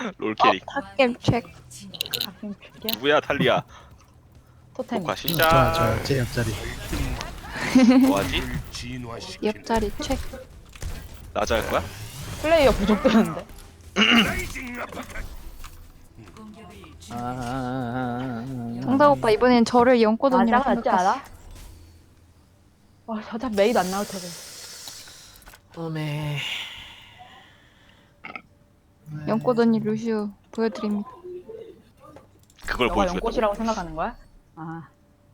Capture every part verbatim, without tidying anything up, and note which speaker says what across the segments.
Speaker 1: 롤 캐릭.
Speaker 2: 탑겜 체크.
Speaker 3: 가끔 줄게요.
Speaker 1: 누구야 탈리아?
Speaker 3: 토템.
Speaker 1: 녹화
Speaker 4: 좋아
Speaker 1: 시작.
Speaker 4: 좋아 제 옆자리.
Speaker 1: 뭐하지?
Speaker 2: 옆자리 체크.
Speaker 1: 나자 할 거야?
Speaker 3: 플레이어 부족되는데.
Speaker 2: 정답 오빠 이번엔 저를 연꽃 언니랑
Speaker 3: 나장 낫지
Speaker 2: 생각했어.
Speaker 3: 않아? 와, 저자 메이드 안 나올 테고.
Speaker 5: 어메.
Speaker 2: 연꽃 언니 루시우 보여드립니다.
Speaker 1: 그걸
Speaker 3: 너가
Speaker 1: 보여주겠다.
Speaker 3: 연꽃이라고 생각하는 거야? 아,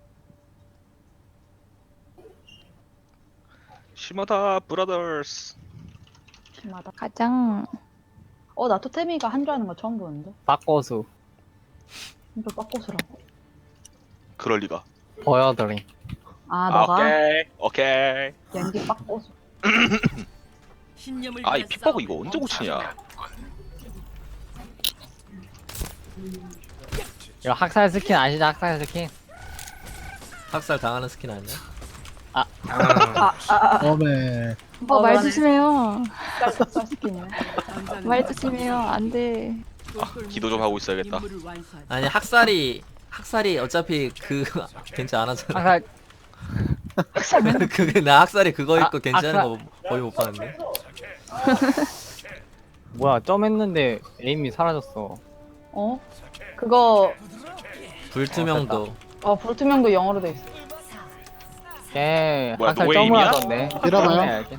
Speaker 1: 심하다 브라더스.
Speaker 3: 심하다.
Speaker 2: 가장
Speaker 3: 어, 나 토템이가 한 줄 아는 거 처음 보는데.
Speaker 5: 바꿔수
Speaker 3: 한줄 빡고스라고.
Speaker 1: 그럴 리가.
Speaker 5: 보여드림.
Speaker 3: 아,
Speaker 1: 아,
Speaker 3: 너가
Speaker 1: 오케이 오케이.
Speaker 3: 연기 빡고스.
Speaker 1: 아 이 픽버그 이거 언제 고치냐?
Speaker 5: 이거 학살 스킨 아시죠? 학살 스킨.
Speaker 6: 학살 당하는 스킨 아니야?
Speaker 3: 아, 아, 아,
Speaker 4: 어메.
Speaker 2: 오빠 말
Speaker 3: 그러네.
Speaker 2: 조심해요.
Speaker 3: 쌀쌀 스킨이네.
Speaker 2: 말 조심해요. 안돼.
Speaker 1: 아 기도 좀 하고 있어야겠다.
Speaker 6: 아니 학살이 학살이 어차피 그 괜찮 안 하잖아.
Speaker 5: 학살.
Speaker 6: 그게 나 학살이 그거 있고
Speaker 5: 아,
Speaker 6: 괜찮은
Speaker 5: 학살.
Speaker 6: 거 거의 못 봤는데.
Speaker 5: 뭐야 점 했는데 에임이 사라졌어.
Speaker 3: 어? 그거,
Speaker 6: 불투명도.
Speaker 3: 어, 불투명도 영어로 돼 있어.
Speaker 5: 걔
Speaker 1: 뭐야,
Speaker 5: 학살
Speaker 1: 노예임이야?
Speaker 5: 점을 하던데.
Speaker 4: 밀어봐요.
Speaker 5: 해야지.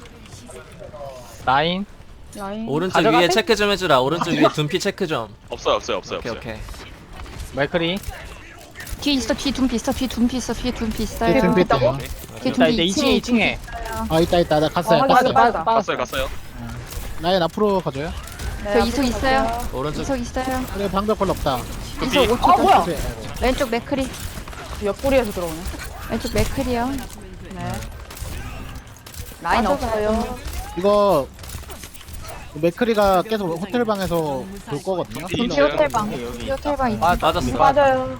Speaker 5: 라인.
Speaker 3: 라인.
Speaker 6: 오른쪽
Speaker 5: 가져가세요?
Speaker 6: 위에 체크 좀 해주라. 오른쪽 위에 둔피 체크 좀.
Speaker 1: 없어요 없어요 없어요
Speaker 6: 오케이
Speaker 1: 없어요.
Speaker 6: 오케이.
Speaker 5: 맥크리.
Speaker 2: 뒤에 있어. 뒤에 둔피 있어. 뒤에 둔피 있어. 뒤에 둔피 있어요.
Speaker 4: 뒤에 둔피
Speaker 3: 있다고?
Speaker 4: 있다고?
Speaker 2: 뒤에
Speaker 5: 자
Speaker 2: 둔피
Speaker 5: 이제 이 층에 이 층에.
Speaker 4: 아 있다 있다 나 갔어요.
Speaker 3: 어,
Speaker 4: 갔어요.
Speaker 3: 맞아, 맞아.
Speaker 1: 갔어요 갔어요.
Speaker 4: 라인 앞으로 가줘요.
Speaker 3: 네,
Speaker 2: 저 이속
Speaker 3: 앞으로
Speaker 2: 있어요.
Speaker 3: 갈게요.
Speaker 6: 오른쪽
Speaker 2: 이석 있어요.
Speaker 4: 그래 방벽 걸로 없다.
Speaker 2: 이석 오
Speaker 3: 아,
Speaker 2: 초.
Speaker 3: 뭐야?
Speaker 4: 그래, 아이고.
Speaker 2: 왼쪽 맥크리.
Speaker 3: 옆구리에서 들어오네.
Speaker 2: 왼쪽 맥크리요.
Speaker 3: 네. 라인 없어요.
Speaker 4: 이거 맥크리가 계속 호텔 방에서 볼 거거든요.
Speaker 1: 둔피
Speaker 2: 둔피
Speaker 1: 있어요.
Speaker 2: 호텔방.
Speaker 5: 여기.
Speaker 2: 둔피 호텔방 있어.
Speaker 5: 아,
Speaker 6: 맞았어.
Speaker 3: 맞아요.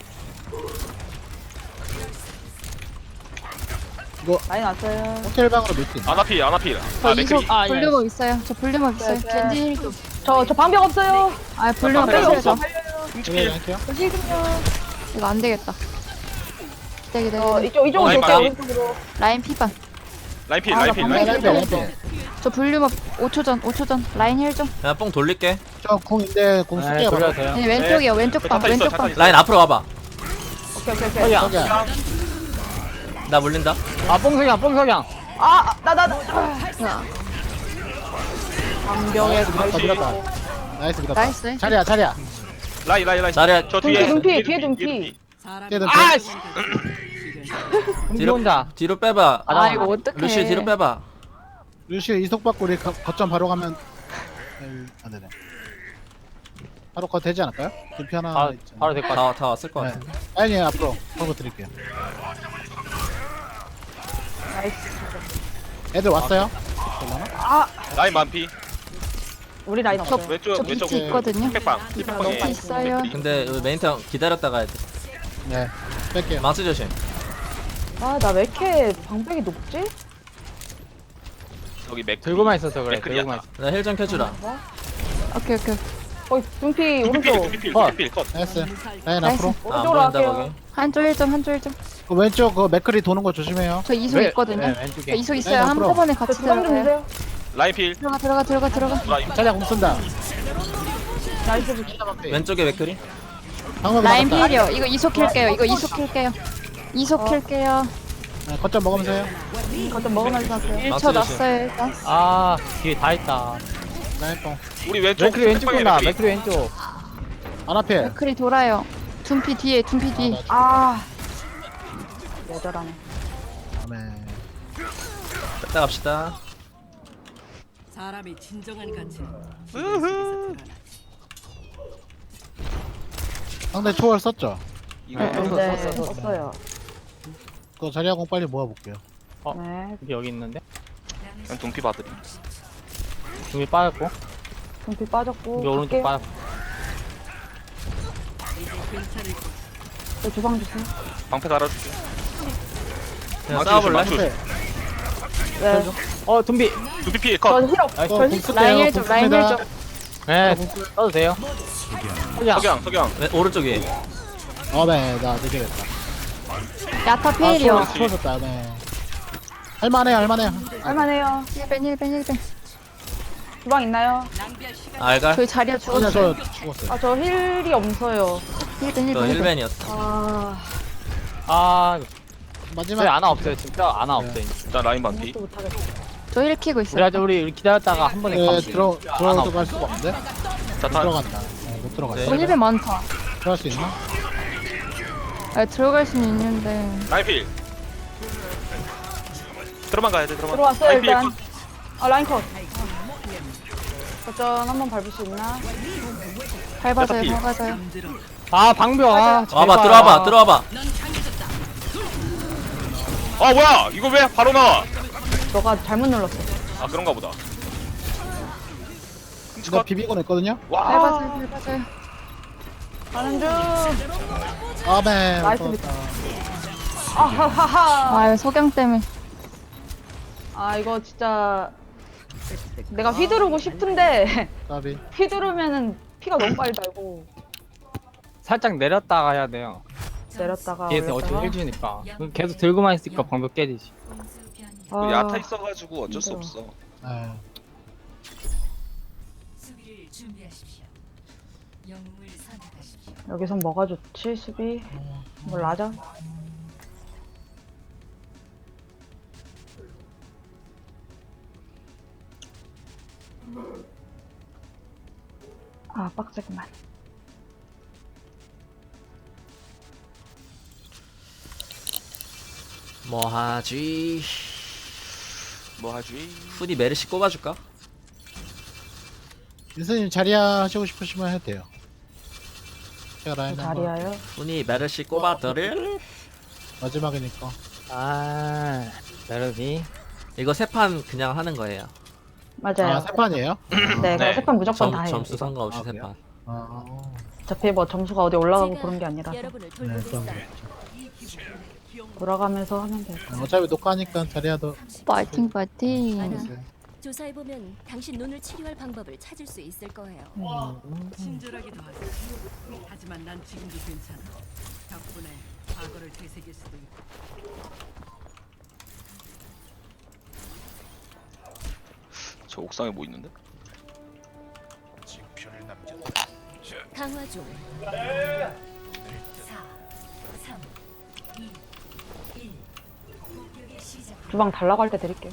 Speaker 4: 이거
Speaker 3: 라인 왔어요.
Speaker 4: 호텔 방으로 밀수 있나?
Speaker 1: 아나필 아나필.
Speaker 2: 저
Speaker 1: 아
Speaker 2: 이석
Speaker 1: 맥크리.
Speaker 5: 아, 예.
Speaker 2: 볼륨업 있어요. 저 볼륨업 있어요.
Speaker 3: 네, 네.
Speaker 2: 겐지 힐 좀.
Speaker 3: 저, 저 방벽 없어요.
Speaker 2: 아 볼륨업
Speaker 1: 아,
Speaker 2: 빼셔야죠.
Speaker 4: 네, 할게요.
Speaker 2: 이거 안 되겠다. 기다려 기다려.
Speaker 3: 어, 이쪽, 이쪽으로
Speaker 1: 라인
Speaker 3: 돌게요,
Speaker 1: 빨리.
Speaker 3: 오른쪽으로.
Speaker 2: 라인 피반.
Speaker 1: 라인필
Speaker 3: 아, 나
Speaker 1: 라인필
Speaker 3: 방금
Speaker 1: 라인필.
Speaker 4: 라인 빼, 라인 빼.
Speaker 2: 저 볼륨업 오 초 전. 오 초 전. 라인 힐 좀.
Speaker 6: 그냥 뽕 돌릴게.
Speaker 4: 저 궁인데 궁
Speaker 5: 네,
Speaker 4: 쓸게요.
Speaker 5: 돌려도
Speaker 4: 바로.
Speaker 5: 돼요.
Speaker 2: 네, 왼쪽이요. 왼쪽 방.
Speaker 1: 잠깐 있어
Speaker 2: 왼쪽
Speaker 1: 잠깐
Speaker 2: 방.
Speaker 1: 있어.
Speaker 6: 라인 앞으로 와봐.
Speaker 3: 오케이, 오케이, 오케이.
Speaker 5: 서기야.
Speaker 4: 저기야.
Speaker 6: 나 물린다.
Speaker 5: 아 뽕석양 뽕석양.
Speaker 3: 아, 나, 나, 나.
Speaker 2: 자,
Speaker 3: 방벽에
Speaker 4: 밀었다 밀었다. 나이스 밀었다.
Speaker 2: 나이스.
Speaker 4: 자리야 자리야.
Speaker 1: 라인 라인 라인.
Speaker 6: 자리야.
Speaker 1: 저
Speaker 3: 둔피,
Speaker 1: 뒤에.
Speaker 3: 둔피, 뒤에 둔피.
Speaker 4: 걔들
Speaker 5: 아 씨.
Speaker 6: 뒤로
Speaker 5: 뒤로 온다.
Speaker 6: 뒤로 빼봐.
Speaker 5: 아,
Speaker 2: 아 이거 어떡해.
Speaker 6: 루시 뒤로 빼봐.
Speaker 4: 루시 이속 받고 우리 거- 거점 바로 가면 안 되네. 바로 거 되지 않을까요? 둔피 하나
Speaker 5: 바,
Speaker 4: 있잖아요.
Speaker 5: 바로 될 것 같아.
Speaker 6: 다 다 왔을 것
Speaker 4: 네.
Speaker 6: 같은데.
Speaker 4: 아니 앞으로 보고 드릴게요.
Speaker 3: 나이스.
Speaker 4: 애들 왔어요?
Speaker 3: 아,
Speaker 1: 라인 만피.
Speaker 3: 우리 라인 없어요.
Speaker 1: 왼쪽
Speaker 2: 저
Speaker 1: 왼쪽
Speaker 2: 비트 있거든요.
Speaker 1: 픽방.
Speaker 2: 비트
Speaker 1: 픽방에.
Speaker 2: 있어요.
Speaker 6: 근데 우리 메인턴 기다렸다 가야 돼.
Speaker 4: 네. 뺄게요.
Speaker 6: 망치 조심.
Speaker 3: 아, 나 왜 이렇게 방벽이 높지?
Speaker 1: 여기 맥.
Speaker 5: 들고만 있어서 그래.
Speaker 1: 맥크리야.
Speaker 5: 들고만 있어.
Speaker 6: 나 힐 좀 켜주라.
Speaker 2: 오케이 오케이.
Speaker 3: 거의 둔피
Speaker 1: 둔필
Speaker 3: 오른쪽.
Speaker 1: 둔필
Speaker 5: 컷.
Speaker 1: 둔필 컷.
Speaker 4: 나이스. 라인
Speaker 2: 나이스.
Speaker 4: 앞으로.
Speaker 6: 아, 안
Speaker 3: 오른쪽으로
Speaker 6: 보인다
Speaker 3: 갈게요.
Speaker 6: 거기.
Speaker 2: 한쪽 일 점. 한쪽 일 점.
Speaker 4: 그 왼쪽 그 맥크리 도는 거 조심해요.
Speaker 2: 저 이속
Speaker 5: 왜-
Speaker 2: 있거든요.
Speaker 5: 네,
Speaker 2: 저
Speaker 5: 왼쪽에.
Speaker 2: 이속 있어요.
Speaker 4: 라인 앞으로.
Speaker 2: 한꺼번에
Speaker 3: 저
Speaker 2: 같이
Speaker 3: 주방 좀
Speaker 2: 들어가요.
Speaker 3: 주세요.
Speaker 1: 라인필.
Speaker 2: 들어가 들어가 들어가 들어가.
Speaker 1: 라인.
Speaker 4: 자리야 공 쓴다.
Speaker 3: 나이스 부치.
Speaker 6: 왼쪽에 맥크리.
Speaker 4: 방금
Speaker 2: 라인
Speaker 4: 나갔다.
Speaker 2: 필이요. 이거 이속 킬게요. 이거 이속 킬게요. 이속 킬게요.
Speaker 4: 네, 거점 먹으면서 해요.
Speaker 3: 거점 먹으면서 할게요.
Speaker 2: 일 초
Speaker 6: 망치 조심.
Speaker 2: 났어요 일단.
Speaker 5: 아 뒤에 다 있다.
Speaker 4: 라인 뽕.
Speaker 1: 우리 왼쪽.
Speaker 5: 맥크리 왼쪽
Speaker 1: 픽방에
Speaker 5: 온다.
Speaker 1: 맥크리.
Speaker 5: 맥크리 왼쪽.
Speaker 4: 아나필.
Speaker 2: 맥크리 돌아요. 둔피 뒤에 둔피 뒤.
Speaker 3: 아. 여자라네.
Speaker 4: 네.
Speaker 6: 갔다 갑시다.
Speaker 7: 사람이 진정한 가치는
Speaker 4: 상대 초월 썼죠?
Speaker 1: 이거
Speaker 2: 네.
Speaker 3: 네,
Speaker 6: 썼어, 썼어.
Speaker 3: 없어요.
Speaker 4: 그 자리야 공 빨리 모아볼게요.
Speaker 5: 어.
Speaker 3: 네,
Speaker 5: 여기 여기 있는데.
Speaker 1: 그냥 둔피 받으리.
Speaker 5: 중이 빠졌고.
Speaker 3: 둔피 빠졌고.
Speaker 5: 여기 오른쪽
Speaker 3: 갈게요.
Speaker 5: 빠졌고.
Speaker 3: 저 주방 주세요.
Speaker 1: 방패 달아줄게.
Speaker 6: 그냥
Speaker 1: 망치
Speaker 6: 싸워볼래?
Speaker 1: 조심, 망치
Speaker 3: 네.
Speaker 5: 어 둠비.
Speaker 1: 둔피 피해
Speaker 3: 저
Speaker 1: 컷.
Speaker 3: 힐업.
Speaker 4: 어,
Speaker 3: 저
Speaker 4: 공
Speaker 3: 힐.
Speaker 4: 쓸게요.
Speaker 2: 라인 일
Speaker 4: 공
Speaker 2: 점. 라인 일
Speaker 4: 씁니다.
Speaker 2: 점.
Speaker 5: 네, 써도 돼요. 석양.
Speaker 1: 석양 석양.
Speaker 6: 네, 오른쪽 위에.
Speaker 4: 어네 나 늦게겠다.
Speaker 2: 야타
Speaker 4: 아
Speaker 2: 필이요.
Speaker 4: 추워- 추워졌다. 네. 할만해 할만해.
Speaker 3: 할만해요.
Speaker 2: 힐벤 힐벤 힐벤.
Speaker 3: 주방 있나요?
Speaker 6: 알갈.
Speaker 2: 저희 자리야
Speaker 4: 그냥
Speaker 2: 죽었어요.
Speaker 4: 저 죽었어요.
Speaker 3: 아, 저 힐이 없어요.
Speaker 2: 힐벤
Speaker 6: 저
Speaker 2: 힐벤 힐벤.
Speaker 6: 힐벤이었어.
Speaker 3: 아,
Speaker 5: 아, 저희
Speaker 4: 마지막
Speaker 5: 아나 없어요. 진짜 아나
Speaker 4: 네.
Speaker 5: 없어요.
Speaker 1: 일단 라인 반피.
Speaker 3: 또 못하겠다.
Speaker 2: 저 힐 키고
Speaker 5: 우리
Speaker 2: 있어요.
Speaker 5: 아직 우리 기다렸다가 한 번에
Speaker 4: 네,
Speaker 5: 감시.
Speaker 4: 들어
Speaker 5: 아나
Speaker 4: 들어갈 수가 없는데. 못
Speaker 1: 자탄.
Speaker 4: 들어간다. 네, 못 들어갔어.
Speaker 6: 네.
Speaker 2: 저 힐벤 많다.
Speaker 4: 들어갈 수 있나?
Speaker 2: 아, 들어갈 수는 있는데.
Speaker 1: 라인 필. 들어만 가야 돼 들어만.
Speaker 3: 들어왔어요,
Speaker 1: 라인 필
Speaker 3: 일단.
Speaker 1: 컷.
Speaker 3: 아, 라인 컷. 거점 한번 밟을 수 있나?
Speaker 2: 밟아줘요
Speaker 1: 필.
Speaker 2: 밟아줘요.
Speaker 5: 아, 방벽. 아,
Speaker 6: 와봐,
Speaker 5: 제발.
Speaker 6: 들어와봐, 들어와봐.
Speaker 1: 아 뭐야 이거 왜 바로 나와?
Speaker 3: 너가 잘못 눌렀어.
Speaker 1: 아 그런가 보다.
Speaker 4: 이거 비비고 냈거든요.
Speaker 1: 와.
Speaker 2: 밟아줘요 밟아줘요.
Speaker 3: 가는 중.
Speaker 4: 아네.
Speaker 3: 나이스
Speaker 4: 못
Speaker 3: 밑.
Speaker 4: 들어갔다.
Speaker 3: 아하하하.
Speaker 2: 아 석양 때문에.
Speaker 3: 아, 이거 진짜 내가 휘두르고 싶은데
Speaker 4: 까비.
Speaker 3: 휘두르면은 피가 너무 빨리 달고
Speaker 5: 살짝 내렸다가 해야 돼요.
Speaker 3: 내렸다가
Speaker 5: 뒤에서
Speaker 3: 올렸다가.
Speaker 5: 어차피 해주니까. 계속 들고만 있으니까 방벽 깨지지.
Speaker 1: 그
Speaker 3: 아,
Speaker 1: 야타 있어가지고 어쩔 수
Speaker 3: 힘들어.
Speaker 1: 없어.
Speaker 4: 네.
Speaker 7: 수비를 준비하십시오. 영웅을 선택하십시오.
Speaker 3: 여기선 뭐가 좋지? 수비 뭐 라자? 아, 빡세구만.
Speaker 6: 뭐 하지?
Speaker 1: 뭐 하지?
Speaker 6: 후디 메르시 꼽아줄까?
Speaker 4: 민서님 자리야 하시고 싶으시면 해도 돼요. 제가 라인 한번
Speaker 3: 자리야요?
Speaker 6: 후디 메르시 꼽아드릴?
Speaker 4: 마지막이니까.
Speaker 5: 아, 메르시.
Speaker 6: 이거 세 판 그냥 하는 거예요.
Speaker 3: 맞아요.
Speaker 4: 아 세 판이에요?
Speaker 3: 네,
Speaker 6: 네.
Speaker 3: 세 판 무조건
Speaker 6: 점,
Speaker 3: 다 해요.
Speaker 6: 점수 상관없이
Speaker 4: 아,
Speaker 6: 세
Speaker 4: 그래요?
Speaker 6: 판.
Speaker 4: 아.
Speaker 3: 어차피 뭐 점수가 어디 올라가고 그런 게 아니라서
Speaker 7: 여러분을
Speaker 4: 네,
Speaker 7: 돌보겠어요.
Speaker 4: 그럼
Speaker 3: 돌아가면서 하면 돼요.
Speaker 4: 어차피 녹화하니까 자리야도
Speaker 2: 파이팅 파이팅.
Speaker 4: 알겠어요.
Speaker 8: 조사해보면 당신 눈을 치료할 방법을 찾을 수 있을 거예요.
Speaker 7: 친절하기도 하죠. 하지만 난 지금도 괜찮아. 덕분에 과거를 되새길 수도 있고.
Speaker 1: 저 옥상에 뭐 있는데?
Speaker 8: 강화 중.
Speaker 3: 주방 달라고 할 때 드릴게요.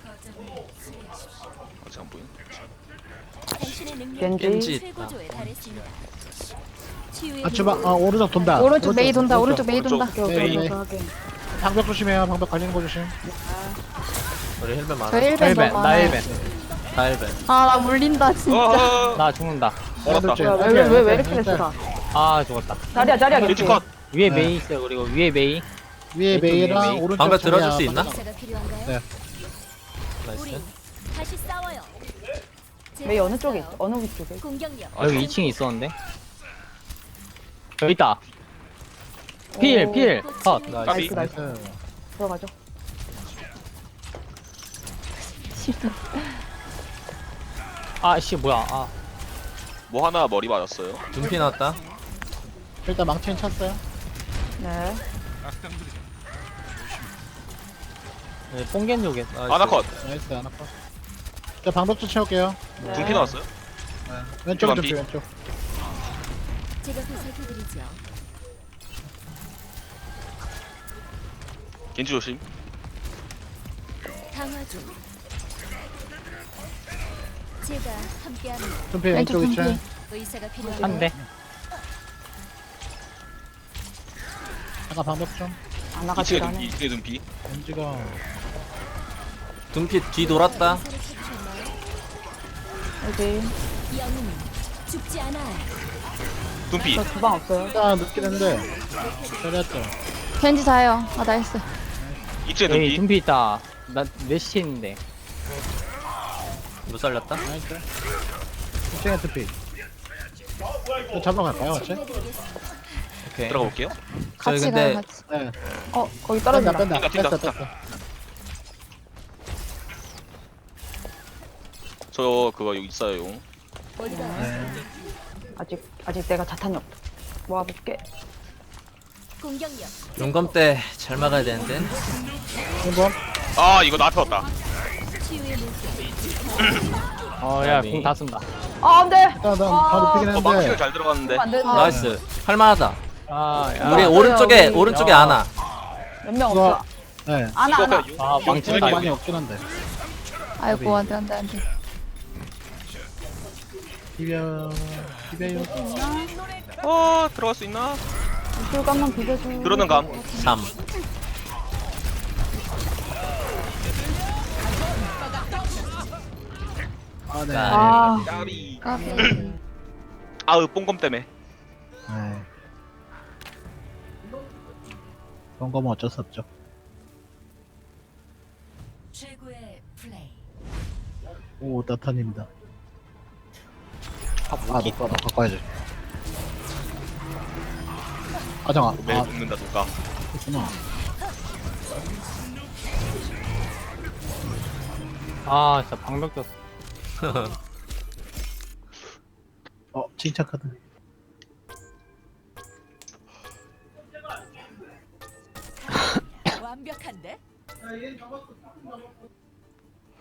Speaker 1: 아직 안 보이네.
Speaker 8: 당신의 능력이
Speaker 3: 겐지.
Speaker 6: 겐지.
Speaker 8: 최고조에 달했습니다. 치유의
Speaker 4: 아 주방 아 오른쪽 돈다.
Speaker 2: 오른쪽 메이 돈다 오른쪽 메이
Speaker 1: 오른쪽.
Speaker 2: 돈다.
Speaker 3: 오케이,
Speaker 4: 네,
Speaker 3: 오케이,
Speaker 4: 네.
Speaker 3: 오케이.
Speaker 4: 방벽 조심해요. 방벽 걸리는 거 조심.
Speaker 6: 우리 힐벤 많아.
Speaker 2: 저 힐벤
Speaker 5: 힐벤,
Speaker 2: 너무
Speaker 5: 나
Speaker 2: 많아요.
Speaker 5: 힐벤.
Speaker 6: 다 힐벤.
Speaker 2: 아나 물린다 진짜.
Speaker 1: 어.
Speaker 5: 나 죽는다.
Speaker 1: 얼었다.
Speaker 3: 뭐야, 왜, 왜, 왜, 왜 이렇게 됐어?
Speaker 5: 아, 죽었다.
Speaker 3: 자리야, 자리야,
Speaker 1: 겐지 컷.
Speaker 5: 위에
Speaker 4: 네.
Speaker 5: 메이 있어요. 그리고 위에 메이.
Speaker 4: 위에
Speaker 5: 왼쪽
Speaker 4: 메이랑
Speaker 5: 메이.
Speaker 4: 오른쪽
Speaker 6: 방벽
Speaker 4: 자리야.
Speaker 6: 들어줄 수 있나?
Speaker 8: 의사가 필요한가요?
Speaker 4: 네.
Speaker 8: 우리
Speaker 6: 나이스.
Speaker 8: 다시 싸워요.
Speaker 3: 메이 어느 쪽에 있어? 어느 위쪽에?
Speaker 8: 공격력.
Speaker 5: 여기 이 층에 있었는데. 여기 있다. 필,
Speaker 3: 오,
Speaker 5: 필. 컷.
Speaker 1: 까비.
Speaker 3: 나이스, 나이스.
Speaker 4: 나이스.
Speaker 3: 들어가죠.
Speaker 2: 싫다.
Speaker 5: 아, 씨, 뭐야. 아,
Speaker 1: 뭐 하나 머리 맞았어요.
Speaker 6: 눈피 나왔다.
Speaker 4: 일단 망치는 찼어요.
Speaker 3: 네.
Speaker 5: 네, 뽕겐 요게.
Speaker 6: 나이스.
Speaker 1: 아나 컷.
Speaker 4: 나이스 하나 컷. 자 방벽 좀 채울게요.
Speaker 3: 네.
Speaker 1: 둥피 나왔어요.
Speaker 4: 왼쪽 좀
Speaker 1: 피.
Speaker 4: 왼쪽.
Speaker 8: 제가 보살펴드리죠.
Speaker 1: 겐지 조심.
Speaker 8: 강화 중. 제가 함께합니다.
Speaker 4: 둠피
Speaker 2: 왼쪽
Speaker 4: 왼쪽 위치.
Speaker 2: 둠피.
Speaker 8: 의사가 필요한가요?
Speaker 5: 한 대.
Speaker 4: 잠깐 방벽 좀.
Speaker 3: 안
Speaker 1: 이층에
Speaker 3: 나가지도
Speaker 1: 눈피.
Speaker 3: 않네.
Speaker 1: 이층에 눈피.
Speaker 4: 왠지가
Speaker 6: 눈피 뒤 돌았다.
Speaker 8: 의사를 찾으셨나요?
Speaker 3: 여기.
Speaker 8: 영웅은 죽지 않아요.
Speaker 1: 눈피.
Speaker 3: 저 주방 없어요.
Speaker 4: 일단 늦긴 했는데 잘했죠.
Speaker 2: 겐지 자요. 아 나이스.
Speaker 1: 이층에
Speaker 5: 여기
Speaker 1: 눈피.
Speaker 5: 둠피 있다. 나 넷시 있는데.
Speaker 6: 못 살렸다.
Speaker 4: 나이스. 이층에 둠피. 또 잡으러 갈까요, 같이?
Speaker 8: 치료해드리겠습니다.
Speaker 6: 오케이.
Speaker 1: 들어가 볼게요.
Speaker 6: 저희
Speaker 2: 같이
Speaker 6: 근데
Speaker 2: 가요 같이.
Speaker 4: 네.
Speaker 3: 어, 거기
Speaker 4: 뺀다
Speaker 3: 떨어진다.
Speaker 4: 뺀다.
Speaker 1: 뛴다,
Speaker 4: 뺐어
Speaker 1: 뛴다.
Speaker 4: 뺐어.
Speaker 1: 저 그거 여기 있어요.
Speaker 4: 네.
Speaker 3: 아직 아직 내가 자탄이 없다. 모아볼게.
Speaker 8: 공격력.
Speaker 6: 용검 때 잘 막아야 되는데.
Speaker 4: 한번
Speaker 1: 아 이거 나한테 왔다.
Speaker 8: 치유의 물결.
Speaker 5: 어야
Speaker 6: 아니.
Speaker 5: 공 다 쓴다.
Speaker 3: 아 안돼.
Speaker 4: 일단 바로 뛰긴
Speaker 1: 어 망치가
Speaker 4: 했는데
Speaker 1: 잘 들어갔는데.
Speaker 3: 안 돼.
Speaker 6: 나이스. 할만하다.
Speaker 5: 아야
Speaker 6: 우리
Speaker 3: 아,
Speaker 6: 오른쪽에
Speaker 3: 우리-
Speaker 6: 오른쪽에
Speaker 5: 야.
Speaker 6: 아나.
Speaker 3: 몇명
Speaker 4: 이거-
Speaker 3: 없어.
Speaker 4: 네.
Speaker 3: 아나
Speaker 1: 이거
Speaker 3: 아나.
Speaker 1: 그냥
Speaker 5: 아,
Speaker 1: 용-
Speaker 5: 망치
Speaker 1: 용검
Speaker 4: 많이
Speaker 1: 많이
Speaker 4: 없긴 한데
Speaker 2: 아이고 안돼 안돼 안돼.
Speaker 4: 비벼 비벼요.
Speaker 1: 어 들어갈 수 있나?
Speaker 3: 줄감만 비벼줘.
Speaker 1: 들어는 감.
Speaker 6: 삼.
Speaker 4: 아 네.
Speaker 3: 아
Speaker 1: 까비.
Speaker 2: 까비.
Speaker 1: 아으 뽕검 때문에.
Speaker 4: 네. 그런 거면 어쩔 수 없죠.
Speaker 7: 최고의 플레이.
Speaker 4: 오 나타입니다. 아 녹가 녹가 꺼야지. 아정아.
Speaker 1: 매일
Speaker 4: 아
Speaker 1: 녹는다 누가.
Speaker 4: 그렇구나.
Speaker 5: 아 진짜 방벽 떴어.
Speaker 4: 어 칭찬 카드.
Speaker 7: 완벽한데?